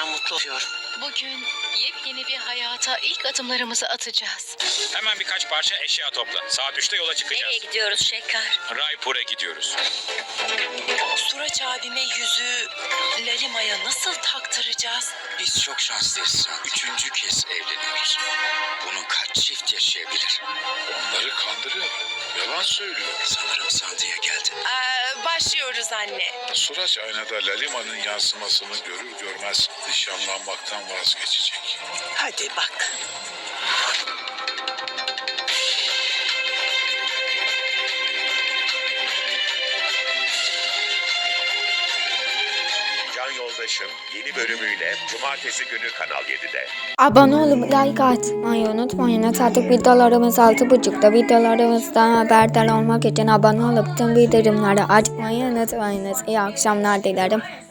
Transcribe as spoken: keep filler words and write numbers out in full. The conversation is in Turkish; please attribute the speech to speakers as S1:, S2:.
S1: gerçekten mutlu oluyorum.
S2: Bugün yepyeni bir hayata ilk adımlarımızı atacağız.
S3: Hemen birkaç parça eşya topla. Saat üçte yola çıkacağız.
S1: Nereye gidiyoruz Şeker?
S3: Raipur'a gidiyoruz.
S4: Suraç abime yüzüğü Lalima'ya nasıl taktıracağız?
S5: Biz çok şanslıyız San. Üçüncü kez evleniyoruz. Bunu kaç çift yaşayabilir? Onları kandırıyor. Yalan söylüyor. Sanırım Sandi'ye geldi.
S4: Ee, başlıyoruz anne.
S6: Suraç aynada Lalima'nın yansımasını görür görmez nişanlanmaktan vazgeçecek.
S4: Hadi bak.
S7: Can Yoldaşım yeni bölümüyle Cumartesi günü Kanal yedide.
S8: Abone olup like atmayı unutmayın. Artık videolarımız altı buçukta. Videolarımızdan haberdar olmak için abone olup tüm bildirimleri açmayı unutmayınız. İyi akşamlar dilerim.